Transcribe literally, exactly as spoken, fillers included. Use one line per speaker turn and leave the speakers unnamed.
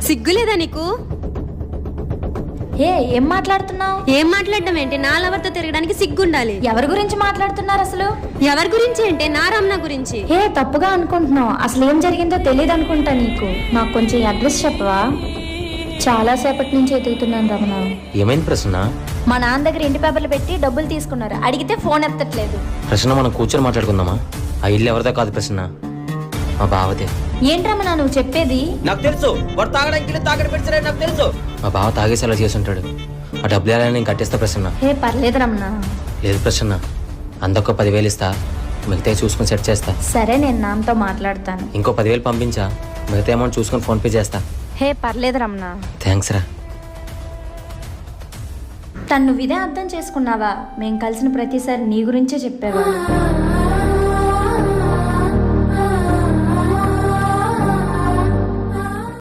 సిగ్గులేదా నీకు?
ఏ ఏం మాట్లాడుతున్నావు?
ఏం మాట్లాడడం ఏంటి? నా లవర్తో తిరగడానికి సిగ్గుండాలి.
ఎవరి గురించి మాట్లాడుతున్నారు అసలు?
ఎవరి గురించి అంటే నా రమణ గురించి.
ఏ తప్పుగా అనుకుంటున్నావు. అసలు ఏం జరిగిందో తెలియదు అనుకుంటా నీకు. నాకు కొంచెం అడ్రస్ చెప్పవా? చాలా సేపటి నుంచి ఎదుగుతున్నాను రమణ.
ఏమైంది ప్రసన్న?
మా నాన్న దగ్గర ఇంటి పేపర్లు పెట్టి డబ్బులు తీసుకున్నారు. అడిగితే ఫోన్ ఎత్తట్లేదు.
ప్రసన్న మనం కూర్చొని మాట్లాడుకుందామా? ఆ ఇల్లు ఎవరిదో కాదు ప్రసన్న, మా బావదే.
ఏంటి రమణ నువ్వు చెప్పేది?
నాకు తెలుసు వాడు తాగడానికి తాగడి పెడిచారని నాకు తెలుసు.
మా బావ తాగేసి అలా చేసి ఉంటాడు. ఆ డబ్బులు ఎలా నేను కట్టేస్తా ప్రసన్న.
ఏ పర్లేదు రమణ.
లేదు ప్రసన్న, అందొక్క పదివేలు ఇస్తా, మిగతా చూసుకొని సెట్ చేస్తా.
సరే నేను నాన్నతో మాట్లాడతాను.
ఇంకో పదివేలు పంపించా, మిగతా అమౌంట్ చూసుకొని ఫోన్ పే చేస్తా.
హే పర్లేదు రమణ.
థ్యాంక్స్ రా.
తను నువ్వు ఇదే అర్థం చేసుకున్నావా? మేం కలిసిన ప్రతిసారి నీ గురించే చెప్పేవాడు.